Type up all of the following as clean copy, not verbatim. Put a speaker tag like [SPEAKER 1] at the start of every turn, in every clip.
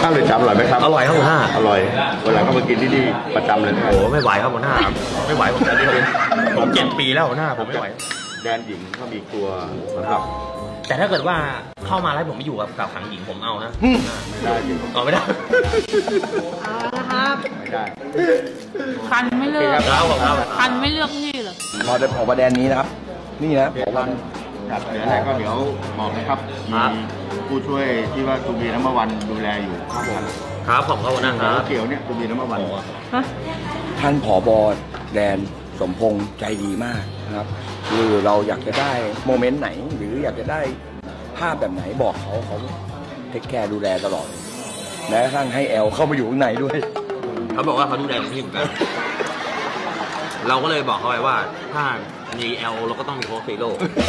[SPEAKER 1] เรือนจำอร่อยไหมครับ
[SPEAKER 2] อร่อยครับหัวหน้า
[SPEAKER 1] อร่อยวันหลังก็มากินที่นี่ประจำเลย
[SPEAKER 2] โอ้ไม่ไหวครับหัวหน้าไม่ไหวผมผม7 ปีแล้วหัวหน้าผมไม่ไหว
[SPEAKER 1] แดนหญิงเขามีครัวสำหรับ
[SPEAKER 2] แต่ถ้าเกิดว่าเข้ามาแล้วผมไม่อยู่กับขังหญิงผมเอานะ
[SPEAKER 1] ไม่ได้จริง
[SPEAKER 2] เอาไม่ได้
[SPEAKER 3] เอาละครับ
[SPEAKER 1] ไม่ได้
[SPEAKER 3] คันไม่เลือก
[SPEAKER 2] ครับผมครับ
[SPEAKER 3] คันไม่เลือกนี่เหรอ
[SPEAKER 4] พอได้ออกมาแดนนี้นะครับ นี่นะผมว่า
[SPEAKER 1] ครับเดี๋ยวอะไรก็เดี๋ยวบอกนะครับมีผู้ช่วยที่ว่าตูบีน้ำมันวันดูแลอยู่ครับผม
[SPEAKER 2] ครับผมครับหัวหน้าครับ
[SPEAKER 1] เกี่ยวเนี่ยตูบีน้ำมันวัน
[SPEAKER 3] ฮะ
[SPEAKER 4] ท่านผอบแดนสมพงษ์ใจดีมากนะครับคือเราอยากจะได้โมเมนต์ไหน หรืออยากจะได้ภาพแบบไหนบอกเขาเทคแคร์ดูแลตลอดแม้กระทั่งให้แอลเข้ามาอยู่ข้างในด้วย
[SPEAKER 2] เขาบอกว่าเขาดูแลผมที่เหมือนกัน เราก็เลยบอกเขาไปว่าถ้ามีเอลเราก็ต้องมีโค้ชซีโร่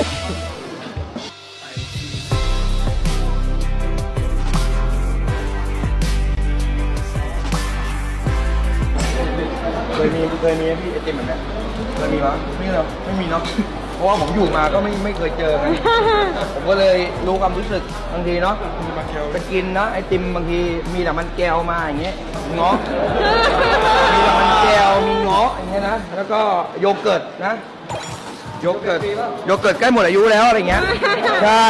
[SPEAKER 4] เคยมีพี่ไอติมแบบนี้เคยมีมั้ยไม่หรอกไม่มีเนาะเพราะว่าผมอยู่มาก็ไม่เคยเจอกันผมก็เลยรู้ความรู้สึกบางทีเนาะไปกินนะไอติมบางทีมีแต่มันแก้วมาอย่างเงี้ยเงาะมีแต่มันแก้วมีเงาะอย่างเงี้ยนะแล้วก็โยเกิร์ตนะโยเกิร์ตใกล้หมดอายุแล้วอะไรเงี้ยใช่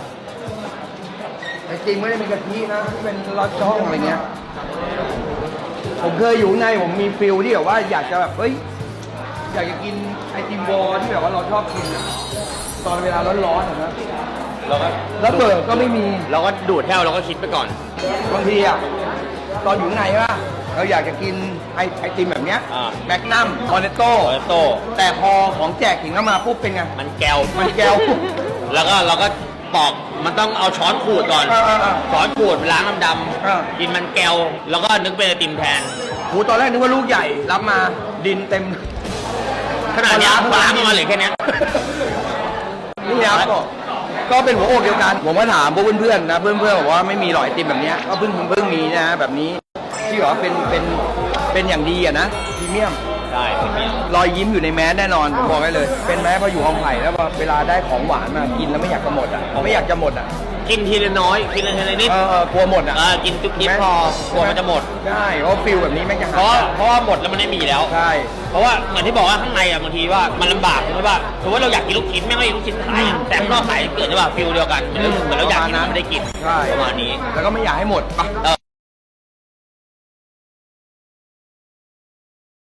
[SPEAKER 4] ไอติมไม่ได้เป็นกะทินะที่เป็นลอดช่องอะไรเงี้ยผมเคยอยู่ในผมมีฟิลที่แบบว่าอยากจะแบบเฮ้ยอยากจะกินไอติมวอลที่แบบว่าเราชอบกินอะตอนเวลาร้อนๆอะนะ
[SPEAKER 2] เราก็
[SPEAKER 4] แล้วเปิดก็ไม่มี
[SPEAKER 2] เราก็ดูดแท้วเราก็คิดไปก่อน
[SPEAKER 4] บางทีอ่ะตอนอยู่ข้างในว่าเราอยากจะกินไอติมแบบเนี้ย
[SPEAKER 2] อ่า
[SPEAKER 4] แมกนัมคอนเนตโต้
[SPEAKER 2] โอโต้
[SPEAKER 4] แต่พอของแจกถึงเข้ามาปุ๊บเป็นไง
[SPEAKER 2] มันแก้ว
[SPEAKER 4] มันแก้ว
[SPEAKER 2] แล้วก็เราก็ปอกมันต้องเอาช้อนขูดก่อน ช้อนขูดล้างน้ำด
[SPEAKER 4] เออ
[SPEAKER 2] ำกินมันแก้วแล้วก็นึกเป็นไอติมแทน
[SPEAKER 4] หูตอนแรกนึกว่าลูกใหญ่รับมาดินเต็ม
[SPEAKER 2] ขนาดเนี้ยล้างมาเหลือแค่เนี้ย
[SPEAKER 4] นี่ครับก็เป็นหัวอกเดียวกัน ผมก็ถามพวกเพื่อนๆนะเพื่อนๆบอกว่าไม่มีหรอกไอติมแบบเนี้ยก็เพิ่งมีนะแบบนี้ที่บอกว่าเป็นอย่างดีอะนะพรีเมียม
[SPEAKER 2] ใช่ไม่มี
[SPEAKER 4] รอยยิ้มอยู่ในแมสแน่นอนผมบอกได้เลย เป็นแมสพออยู่ห้องไผ่แล้วพอเวลาได้ของหวานมากินแล้วไม่อยากจะหมดอ่ะไม่อยากจะหมดอ่ะ
[SPEAKER 2] กินทีละน้อย กินทีละนิด
[SPEAKER 4] กลัวหมดอ่ะ
[SPEAKER 2] กินจุ๊บจิ๊บพอกลัวมันจะหมด
[SPEAKER 4] ใช่เพราะฟิลแบบนี้แม่งจะ
[SPEAKER 2] เพราะว่าหมดแล้วมันไม่มีแล้ว
[SPEAKER 4] ใช่
[SPEAKER 2] เพราะว่าเหมือนที่บอกว่าข้างในอ่ะบางทีว่ามันลำบากใช่ไหมว่าสมมติว่าเราอยากกินลูกชิ้นแม่งไม่มีลูกชิ้นขายอะแต่ข้างนอกขายเกิดใช่ป่ะฟิลเดียวกันเหมือนเราอยากกินมันไม่ได้กิน
[SPEAKER 4] ใช่
[SPEAKER 2] ประมาณนี้
[SPEAKER 4] แล้วก็ไม่อยากให้หมดปะ